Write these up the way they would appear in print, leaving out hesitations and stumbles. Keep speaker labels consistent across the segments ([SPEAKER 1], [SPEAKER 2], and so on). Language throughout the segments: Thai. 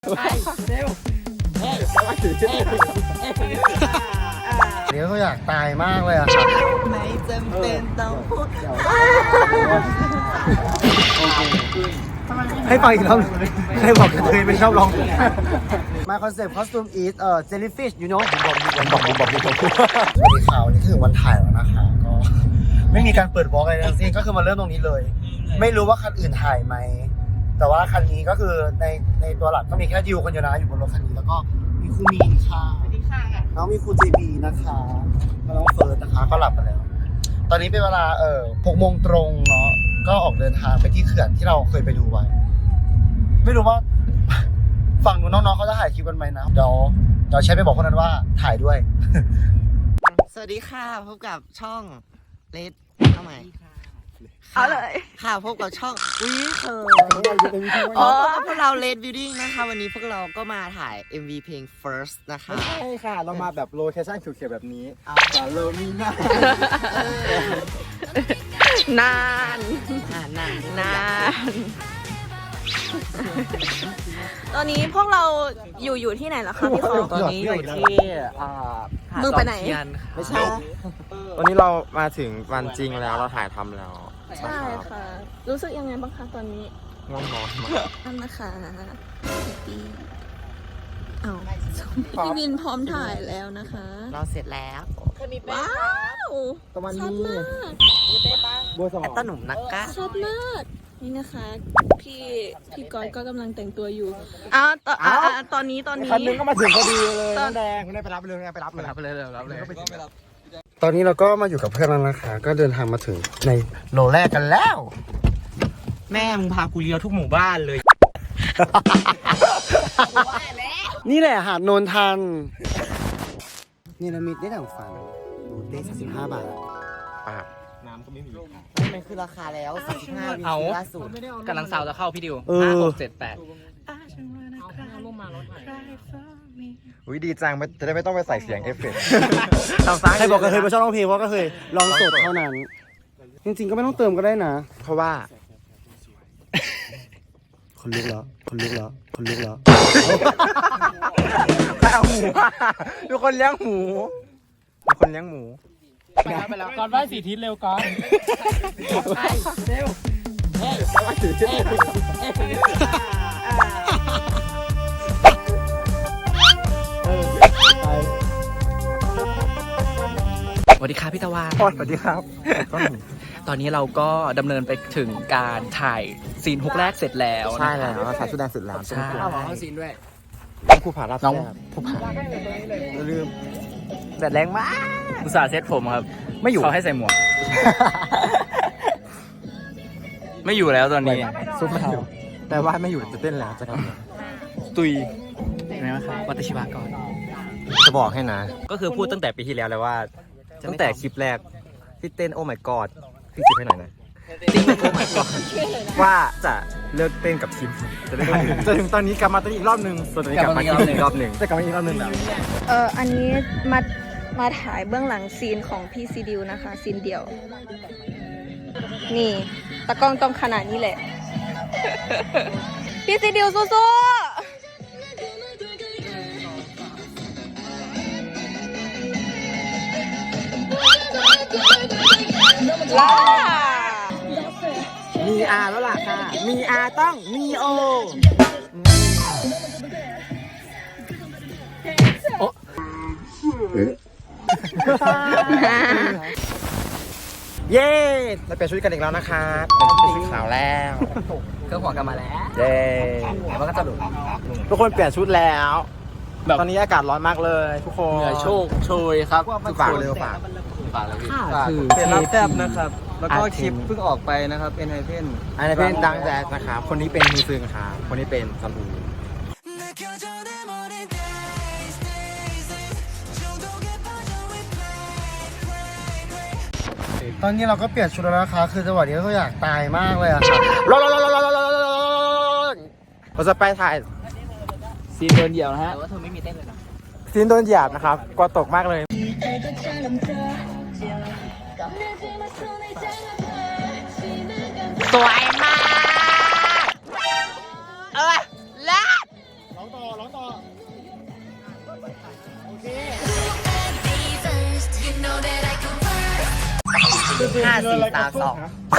[SPEAKER 1] เร็ว
[SPEAKER 2] เดี๋ยวเขาอยากตายมากเลยอะครับ
[SPEAKER 1] ไม่จำเป็นต้องพูด
[SPEAKER 2] ให้ฟังอีกรอบให้บอกกันเลยไม่ชอบร้อง My concept costume is jellyfish you know บอกสวัสดีข่าวนี่ถึงวันถ่ายแล้วนะคะก็ไม่มีการเปิดบล็อกอะไรทั้งสิ้นก็คือมาเริ่มตรงนี้เลย ไม่รู้ว่าคันอื่นถ่ายไหมแต่ว่าคันนี้ก็คือในตัวหลักก็มีแค่ดิวคนเดียวนะอยู่บนรถคันนี้แล้วก็มีครูมีนค่ะน้องมีครูเจบีนะคะแล้วน้องเฟิร์สนะคะก็หลับไปแล้วตอนนี้เป็นเวลา6 โมงตรงเนาะก็ออกเดินทางไปที่เขื่อนที่เราเคยไปดูไว้ไม่รู้ว่าฝั่งนู้นน้องๆเขาจะถ่ายคลิปกันไหมนะเดี๋ยวใช้ไปบอกคนนั้นว่าถ่ายด้วย
[SPEAKER 1] สวัสดีค่ะพบกับช่องเลดเข้ามา
[SPEAKER 3] เอาเลย
[SPEAKER 1] ค่ะพบกับช่องอุ้ยเธอพวกเราเลดบิวดิ้งนะคะวันนี้พวกเราก็มาถ่าย MV เพลง First นะคะ
[SPEAKER 2] ใช่ค่ะเรามาแบบโลเคชั่นเขียวๆแบบนี้แต่เรามีหน้าน
[SPEAKER 3] าน
[SPEAKER 1] นาน
[SPEAKER 3] ตอนนี้พวกเราอยู่ที่ไหนล่ะคะพี่เขา
[SPEAKER 1] ตอนนี้อยู่ที่
[SPEAKER 3] มึงไปไหน
[SPEAKER 2] ไม่ใช่
[SPEAKER 4] วันนี้เรามาถึงวันจริงแล้วเราถ่ายทำแล้ว
[SPEAKER 3] ใช่ค่ะ รู้สึกยังไงบ้างคะตอนนี้
[SPEAKER 4] ง่วงนอนมาก
[SPEAKER 3] นั่นนะคะพี่เอาพี่วินพร้อมถ่ายแล้วนะคะ
[SPEAKER 1] เราเสร็จแล้ว
[SPEAKER 3] ว้าว
[SPEAKER 2] ตะวัน
[SPEAKER 3] ชัด
[SPEAKER 2] นี้
[SPEAKER 3] มาก
[SPEAKER 2] บัวสอง
[SPEAKER 1] แอตตาหนุ่มนักกะ
[SPEAKER 3] ชัดมากนี่นะคะพี่ก๊อตก็กำลังแต่งตัวอยู่ตอนนี้
[SPEAKER 2] คันนึงก็มาถึงพอดีเลยน้องแดงไปรับเลยไปรับเลย
[SPEAKER 4] รับเลยรับเลย
[SPEAKER 2] ตอนนี้เราก็มาอยู่กับเพื่อนแล้วนะคะก็เดินทางมาถึงในโลแรกกันแล้ว
[SPEAKER 4] แม่มึงพากูเลี้ยวทุกหมู่บ้านเลย
[SPEAKER 2] นี่แหละหาดโนนทันนี่ละมิดได้ดั่งฝันดูเต้35 บาท
[SPEAKER 1] มันคือราคาแล้ว35วิ
[SPEAKER 4] เอา
[SPEAKER 1] ล่าสุด
[SPEAKER 4] กำลังสาวจะเข้าพี่ดิว 5 6 7 8อุ้ยดีจังจะได้ไม่ต้องไปใส่เสียงเอฟเฟกต์
[SPEAKER 2] ใครบอกกระเทยมาชอบร้องเพลงเพราะกระเทยลองสดเท่านั้น จริงๆก็ไม่ต้องเติมก็ได้นะ
[SPEAKER 4] เพราะว่า
[SPEAKER 2] คนลุกแล้ว
[SPEAKER 4] ใครเอาหมูทุกคนเลี้ยงหมูทุกคนเลี้ยงหมูไปแล้วก่อนไหว้4 ทิศเร็วก่อนเร็วสวัสดีครับพี่ตะวัน
[SPEAKER 2] สวัสดีครับ
[SPEAKER 4] ตอนนี้เราก็ดำเนินไปถึงการถ่ายซีนฮุกแรกเสร็จแล้ว
[SPEAKER 2] ใช่แล้วเราถ่ายชุดแดงเสร็จแล้ว
[SPEAKER 4] ใช่
[SPEAKER 1] เอาซีนด้วย
[SPEAKER 2] น้องภูผารับ
[SPEAKER 4] น้อง
[SPEAKER 2] แซ่บ
[SPEAKER 4] ผู้ผ่าน
[SPEAKER 2] อย่าลืม
[SPEAKER 4] แดดแรงมากอุตส่าห์เซ็ตผมครับ ไม่อยู่เขาให้ใส่หมวก ไม่อยู่แล้วตอนนี้
[SPEAKER 2] ซุปมะนาวแต่ว่าไม่อยู่จะเต้นแล้วจะทำ
[SPEAKER 4] ตุยเห็นไหมครับวัตชิวะก่อน
[SPEAKER 2] จะบอกให้นะ
[SPEAKER 4] ก็คือพูดตั้งแต่ปีที่แล้วเลยว่า ตั้งแต่คลิปแรกที่เต้นโอ้ my god พี่จิบให้หน่อยนะว่าจะเลิกเต้นกับคิมจะได้จนถึงตอนนี้กลับมาเต้นอีกรอบหนึ่งส่วนตอนนี้กลับมาอีกรอบหนึ่งจะกลับมาอีกรอบหนึ่งแล้ว
[SPEAKER 3] อันนี้มาถ่ายเบื้องหลังซีนของพี่ซีดิวนะคะซีนเดียว นี่ตะกล้องต้องขนาดนี้แหละ พี่ซีดิวสู้ๆล่า
[SPEAKER 2] มีอาแล้วล่ะค่ะ มีอาต้องมีโอ
[SPEAKER 4] เย้เราเปลี่ยนชุดกันอีกแล้วนะคะเป็นชุดขาวแล้ว
[SPEAKER 1] เครื่องหัวกันมาแล้ว
[SPEAKER 4] เย้
[SPEAKER 1] มันก็จะหลุด
[SPEAKER 4] ทุกคนเปลี่ยนชุดแล้วตอนนี้อากาศร้อนมากเลยทุกคน
[SPEAKER 1] เหนื่อยโชคโชยครับ
[SPEAKER 4] ฝากเลยฝาก
[SPEAKER 1] ฝากเลยพี่
[SPEAKER 4] คือ
[SPEAKER 1] เปลี่ยนรับแซ่บนะครับ แล้วก็คลิปเพิ่งออกไปนะครับเป็นไฮเพน
[SPEAKER 4] อันนี้เป็นดังแจ๊สนะครับคนนี้เป็นฮีซึงค่ะคนนี้เป็นซันอู
[SPEAKER 2] ตอนนี้เราก็เปลี่ยนชุดแล้วนะคะ คือจังหวะนี้ก็อยากตายมากเลยอะค่ะร้อน
[SPEAKER 4] เราจะไปถ่าย
[SPEAKER 1] ซีนเดินเดี่ยวนะฮะแต่ว่าเธอไม่มีเต้นเลยนะ
[SPEAKER 4] ซีนโดนหยาบนะครับกลัวตกมากเลย
[SPEAKER 1] สวยมากเลิศ 5 4 3 2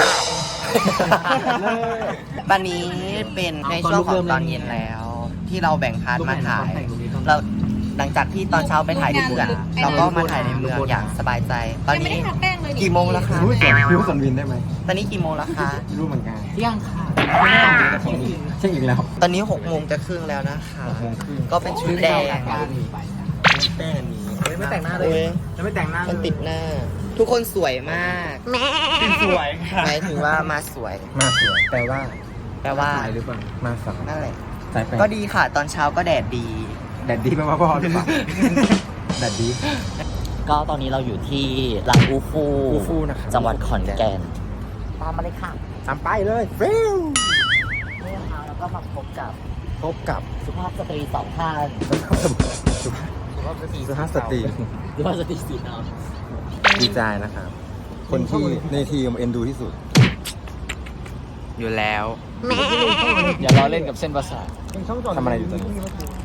[SPEAKER 1] วันนี้เป็นในช่วงของตอนเย็นแล้ว ที่เราแบ่งพาร์ทมาถ่ายเราหลังจากที่ตอนเช้าไปถ่ายในเมืองเราก็มาถ่ายในเมืองอย่างสบายใจ ตอนนี้กี่โมงแล้วคะ
[SPEAKER 4] รู้สันวินได้ไหม
[SPEAKER 1] ตอนนี้กี่โมงแล้วคะ
[SPEAKER 4] รู้เหมือนกัน
[SPEAKER 1] เที่ยงค่ะ
[SPEAKER 4] เช่นอีกแล้ว
[SPEAKER 1] ตอนนี้6 โมงจะครึ่งแล้วนะคะ
[SPEAKER 4] 6 โมงครึ่ง
[SPEAKER 1] ก็เป็นชุดแดง
[SPEAKER 4] แป้งนี้ไม่แต่งหน้าเลยจะไม่แต่งหน้า
[SPEAKER 1] มันติดหน้า ทุกคนสวยมาก
[SPEAKER 4] สวยค่ะ
[SPEAKER 1] หมายถึงว่ามาสวย
[SPEAKER 4] มาสวยแปลว่า
[SPEAKER 1] แปลว่า
[SPEAKER 4] สายหรือเปล่ามาสาย
[SPEAKER 1] นั่นแหละ
[SPEAKER 4] สายแปล
[SPEAKER 1] ก็ดีค่ะ ตอนเช้าก็แดดดี
[SPEAKER 4] แดดดีแปลว่าพ่อหรือเปล่าแดดดี
[SPEAKER 5] ก็ตอนนี้เราอยู่ที่ลำอูฟู
[SPEAKER 4] อูฟูนะครับ
[SPEAKER 5] จังหวัดขอนแก่น ตามมาเลยค่ะ
[SPEAKER 4] ตามไปเลยฟิว
[SPEAKER 5] นี่นะคะแล้วก็มาพบกับ
[SPEAKER 4] พบกับ
[SPEAKER 5] สุภาพสตรีสองท่าน
[SPEAKER 4] สุภาพสตรี
[SPEAKER 5] สุภาพสตรีสีน้
[SPEAKER 4] ดีใจนะครับ คนที่ในทีมเอ็นดูที่สุด
[SPEAKER 1] อยู่แล้ว
[SPEAKER 5] ำอย่าล้อเล่นกับเส้นประสาท
[SPEAKER 4] ทำอะไรอยู่ตอนนี้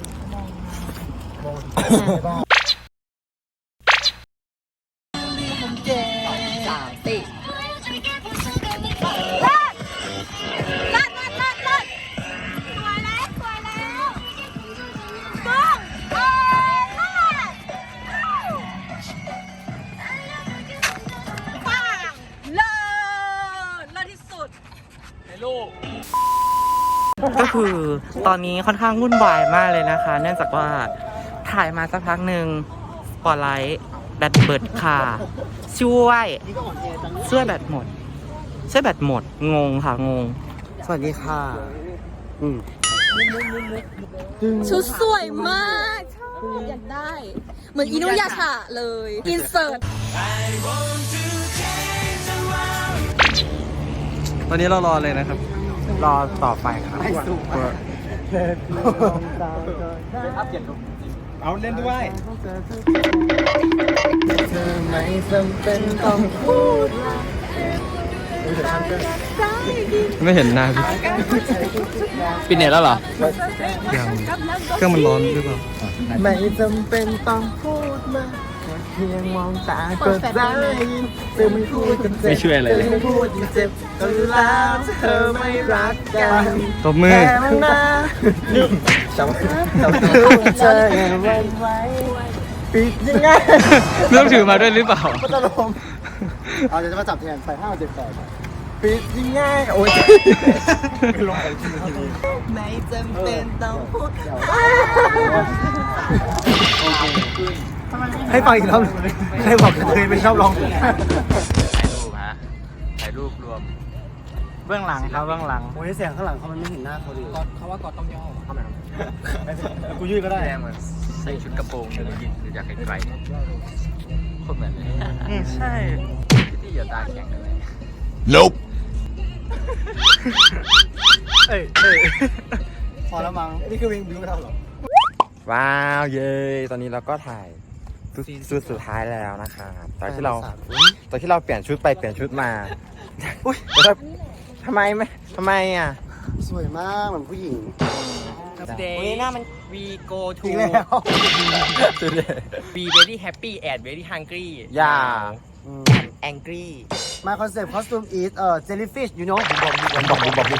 [SPEAKER 6] ก็คือตอนนี้ค่อนข้างวุ่นวายมากเลยนะคะ เนื่องจากว่าถ่ายมาสักพักหนึ่งสปอตไลท์แบตเบิดค่ะช่วยแบตหมดงงค่ะงง
[SPEAKER 2] สวัสดีค่ะ
[SPEAKER 3] ชุดสวยมากชอบอยากได้ เหมือนอินุยาชะเลย อินเสิร์ต
[SPEAKER 6] ตอนนี้เรารอเลยนะครับ
[SPEAKER 4] รอต่อไปครับเอาเล่นด้วย
[SPEAKER 2] เธอไม่จำเป็นต้องพูด
[SPEAKER 6] ไม่เห็นหน้าพี่
[SPEAKER 5] ปิดเน็ตแล้วเหรอ
[SPEAKER 6] ยังเครื่องมันร้อนหรือเปล่า
[SPEAKER 2] ไม่จำเป็นต้องพูดมากเพียงมองตาก็ได้ยินเธอไม่พูดกันเจ็บ
[SPEAKER 5] ไม่ช่วยอะไรเลย
[SPEAKER 2] เธอไม่พูดเจ็บก็แล้วเธอไม่รักกัน
[SPEAKER 6] ตบมือ
[SPEAKER 2] แค่มันนะจำเธอยังไว้ไว้ปิดยังไง
[SPEAKER 6] ไม่ต้องถือมาด้วยหรือเปล่า
[SPEAKER 2] ก็จะลมเอาจะมาจับแทนใส่5 7 8ปิดยังไงโอ้ยลงไปที
[SPEAKER 1] ไม่จำเป็นต้องพูด
[SPEAKER 2] ให้ฟังอีกรอบให้บอกเคยไม่ชอบร้อง
[SPEAKER 5] ถ่ายรูปฮะ ถ่ายรูปรวม
[SPEAKER 6] เบื้องหลังครับเบื้องหลัง
[SPEAKER 2] โอ้ยเสียงข้างหลังเขามันไม่เห็นหน้าเขาดิ
[SPEAKER 5] เขาว่ากอดต้องย่อ
[SPEAKER 2] กูยืดก็ได้
[SPEAKER 5] แดงเหมือนใส่ชุดกระโปรงหรือยินหรืออยากไกลๆคนเหมือนเลย
[SPEAKER 6] ใช่
[SPEAKER 5] ที่อย่าตาแข็งกันเลย
[SPEAKER 2] พอแล้วมั้งนี่คือวิงบิวไม่ทำหรอ
[SPEAKER 4] ว้าว เย้ตอนนี้เราก็ถ่ายชุดสุดท้ายแล้วนะครับตอนที่เราเปลี่ยนชุดไปเปลี่ยนชุดมาอุ้ยแต่ทำไมอ่ะ
[SPEAKER 2] สวยมากเหมือนผู้หญิง
[SPEAKER 1] วันนี้หน้ามัน
[SPEAKER 5] we go
[SPEAKER 2] อีกแล้ว
[SPEAKER 5] be very happy and very hungry
[SPEAKER 4] อย่า
[SPEAKER 1] angry
[SPEAKER 2] My concept costume is jellyfish you know ผมบอก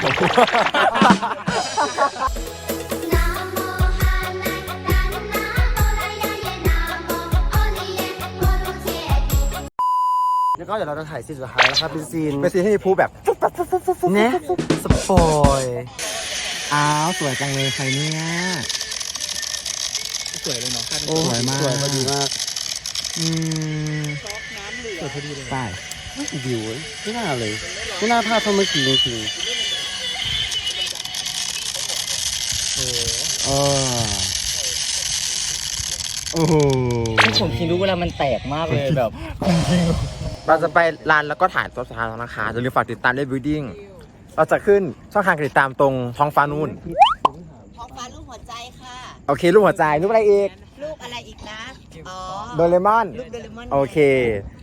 [SPEAKER 2] แล้วก็เดี๋ยวเราจะถ่ายซีนสุดท้ายแล้วครับเป็นซีน
[SPEAKER 4] เป็นซีนที่มีพูแบบ
[SPEAKER 2] เนี่ยสปอย
[SPEAKER 4] อ้าวสวยจังเลยใครเนี่ยสวยเลยเนาะสวยมาก
[SPEAKER 2] สวยพอดีมาก
[SPEAKER 4] สวยพอดีเลยใช่
[SPEAKER 2] วิวไม่น่าเลยไม่น่าพลาดเท่าเมื่อกี้จริง
[SPEAKER 4] โอ้โห
[SPEAKER 5] ผมคิดรู้เวลามันแตกมากเลยแบบ
[SPEAKER 4] เราจะไปร้านแล้วก็ถ่ายตัวสุดท้ายแล้วนะคะอย่าลืมฝากติดตามด้วยบิวดิ้งเราจะขึ้นช่องทางการติดตามตรงท้องฟ้านู่น
[SPEAKER 1] ท้องฟ้ารูปหัวใจค่ะ
[SPEAKER 4] โอเครูปหัวใจรูปอะไรอีก
[SPEAKER 1] รูปอะไรอีกนะ อ๋อ
[SPEAKER 4] โดเรมอน
[SPEAKER 1] รูปโดเรมอน
[SPEAKER 4] โอเค